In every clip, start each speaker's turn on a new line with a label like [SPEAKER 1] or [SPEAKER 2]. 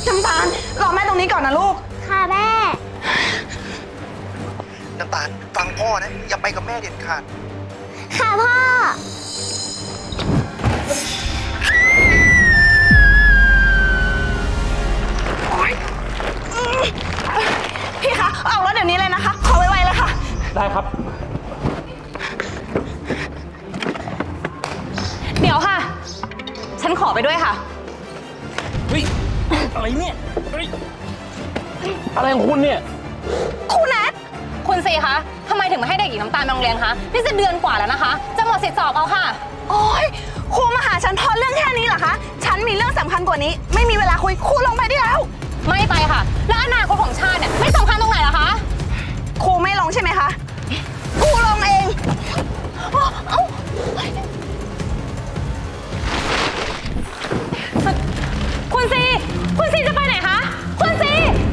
[SPEAKER 1] น้ำตาลรอแม่ตรงนี้ก่อนนะลูก
[SPEAKER 2] ค่ะแม่
[SPEAKER 3] น้ำตาลฟังพ่อนะอย่าไปกับแม่เด็ดขาด
[SPEAKER 2] ค่ะพ่อ
[SPEAKER 1] พี่คะเอารถเดี๋ยวนี้เลยนะคะขอไวๆเลยค่ะ
[SPEAKER 4] ได้ครับ
[SPEAKER 5] เดี๋ยวค่ะฉันขอไปด้วยค่ะ
[SPEAKER 4] เฮ้ยอะไรเนี่ยเฮ้ยอะไรของคุณเนี่ย
[SPEAKER 5] คุณแนทคุณซีคะทำไมถึงไม่ให้เด็กหญิงน้ำตาลไปโรงเรียนคะนี่จะเดือนกว่าแล้วนะคะจะหมดสิทธิสอบเอาค่ะ
[SPEAKER 1] โอ๊ยครูมาหาฉันเพราะเรื่องแค่นี้เหรอคะฉันมีเรื่องสำคัญกว่านี้ไม่มีเวลาคุยครูลงไปได้แล้ว
[SPEAKER 5] ไม่ไปค่ะแล้วอนาคตของชาติเนี่ยไม่สำคัญตรงไหนเหรอคะ
[SPEAKER 1] ครูไม่ลงใช่ไหมคะครูลงเอง
[SPEAKER 5] คุณซีจะไปไหนคะคุณซี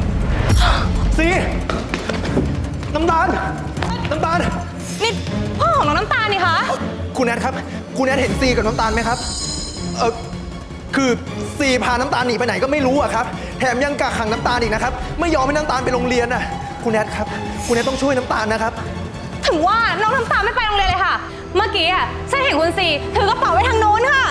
[SPEAKER 3] น้ำตาล
[SPEAKER 5] นี่พ่อของน้องน้ำตาลนี่คะ
[SPEAKER 3] คุณแนทครับคุณแนทเห็นซีกับน้ำตาลไหมครับคือซีพาน้ำตาลหนีไปไหนก็ไม่รู้อะครับแถมยังกักขังน้ำตาลอีกนะครับไม่ยอมให้น้ำตาลไปโรงเรียนอะคุณแนทครับคุณแนทต้องช่วยน้ำตาลนะครับ
[SPEAKER 5] ถึงว่าน้องน้ำตาลไม่ไปโรงเรียนเลยค่ะเมื่อกี้อะฉันเห็นคุณซีถือกระเป๋าไว้ทางโน้นค่ะ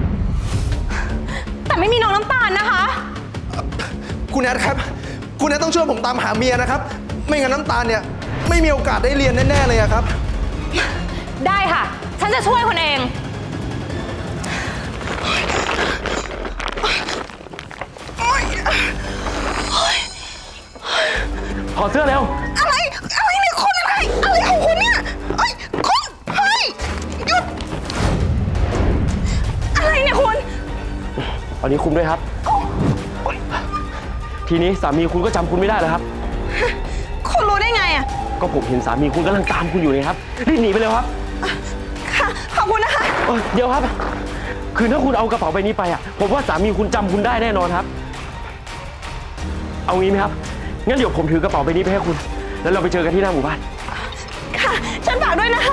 [SPEAKER 5] แต่ไม่มีน้องน้ำตาลนะคะ
[SPEAKER 3] คุณแนทครับคุณแนทต้องช่วยผมตามหาเมียนะครับไม่งั้นน้ำตาลเนี่ยไม่มีโอกาสได้เรียนแน่ๆเลยครับ
[SPEAKER 5] ได้ค่ะฉันจะช่วยคุณเอง
[SPEAKER 4] ถอดเสื้อเร็ว
[SPEAKER 1] อะไรเนี่ยคุณอะไรของคุณเนี่ยคุณเฮ้ยหยุดอะไรเนี่ยคุณ
[SPEAKER 4] ตอนนี้คุมด้วยครับทีนี้สามีคุณก็จำคุณไม่ได้แล้วครับ
[SPEAKER 1] คุณรู้ได้ไงอ่ะ
[SPEAKER 4] ก็ผมเห็นสามีคุณกำลังตามคุณอยู่เลยครับรีบหนีไปเลยครับ
[SPEAKER 1] ค่ะขอบคุณนะคะ
[SPEAKER 4] เดี๋ยวครับคือถ้าคุณเอากระเป๋าใบนี้ไปอ่ะผมว่าสามีคุณจำคุณได้แน่นอนครับเอางี้ไหมครับงั้นเดี๋ยวผมถือกระเป๋าใบนี้ไปให้คุณแล้วเราไปเจอกันที่หน้าหมู่บ้าน
[SPEAKER 1] ค่ะฉันฝากด้วยนะคะ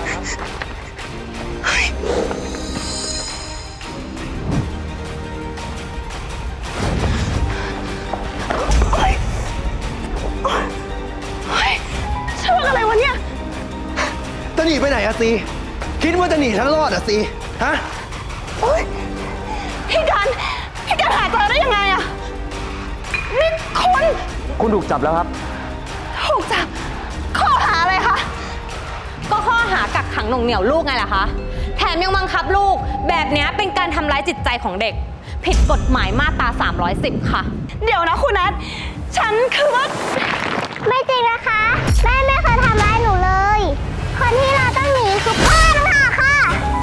[SPEAKER 1] ช่วงอะไรวะเนี่ย
[SPEAKER 3] จะหนีไปไหนอะซีคิดว่าจะหนีฉันรอดอะซีฮะ
[SPEAKER 1] พี่กันหาเจอได้ยังไงอะนี่
[SPEAKER 4] คุณถูกจับแล้วครับ
[SPEAKER 1] ถูกจับข้อหาอะไรคะ
[SPEAKER 5] ก็ข้อหากักขังหน่วงเหนี่ยวลูกไงล่ะคะแถมยังบังคับลูกแบบนี้เป็นการทำร้ายจิตใจของเด็กผิดกฎหมายมาตรา310ค่ะ
[SPEAKER 1] เดี๋ยวนะคุณนัทฉันคือว่า
[SPEAKER 2] ไม่จริงนะคะแม่ไม่เคยทำร้ายหนูเลยคนที่เราต้องหนีคือพ่อต่างหากค่ะ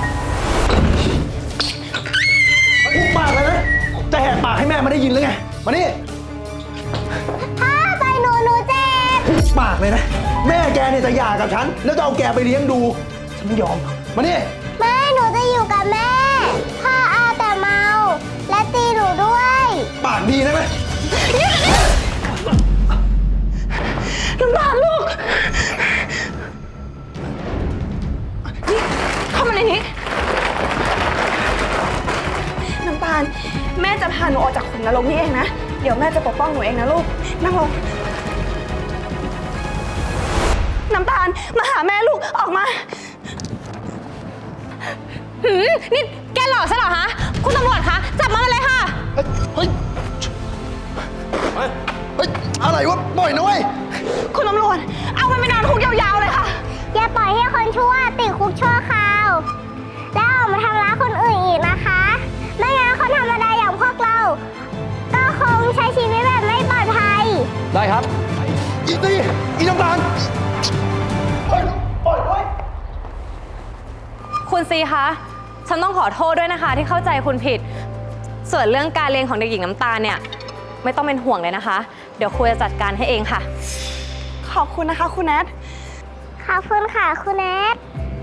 [SPEAKER 3] หุบปากเลยนะจะแหกปากให้แม่มาได้ยินหรือไงมานี่
[SPEAKER 2] พ่อไปหนูเจ็บ
[SPEAKER 3] หุบปากเลยนะแม่แกเนี่ยจะหย่ากับฉันแล้วจะเอาแกไปเลี้ยงดูฉันไม่ยอมมานี่
[SPEAKER 2] ไม่หนูจะอยู่กับแม่พ่อเอาแต่เมาและตีหนูด้วย
[SPEAKER 3] ปากดีนะแม่
[SPEAKER 1] น้ำตาลลูกเข้ามาในนี้น้ำตาลแม่จะพาหนูออกจากขุมนรกนี้เองนะเดี๋ยวแม่จะปกป้องหนูเองนะลูกนั่งลงน้ำตาลมาหาแม่ลูกออกมา
[SPEAKER 5] นี่แกหลอกฉันเหรอฮะคุณตำรวจคะจับมาเลยค่ะ
[SPEAKER 3] เฮ้ยอะไรวะปล่อยนะเว้ย
[SPEAKER 1] คุณตำรวจเอามันไปนอนคุกยาวๆเลยค่ะ
[SPEAKER 2] อย่าปล่อยให้คนชั่วติดคุกชั่วคราวแล้วออกมาทำร้ายคนอื่นอีกนะคะไม่งั้นคนธรรมดาอย่างพวกเราก็คงใช้ชีวิตแบบไม่ปลอดภัย
[SPEAKER 4] ได้ครับ
[SPEAKER 3] อีน้ำตาลปล่อย
[SPEAKER 5] คุณซีคะฉันต้องขอโทษด้วยนะคะที่เข้าใจคุณผิดส่วนเรื่องการเรียนของเด็กหญิงน้ำตาลเนี่ยไม่ต้องเป็นห่วงเลยนะคะเดี๋ยวครูจะจัดการให้เองค่ะ
[SPEAKER 1] ขอบคุณนะคะคุณแนท
[SPEAKER 2] ขอบคุณค่ะคุณแนท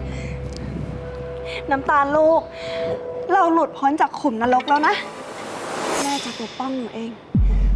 [SPEAKER 1] น้ำตาลลูกเราหลุดพ้นจากขุมนรกแล้วนะแม่จะปกป้องหนูเอง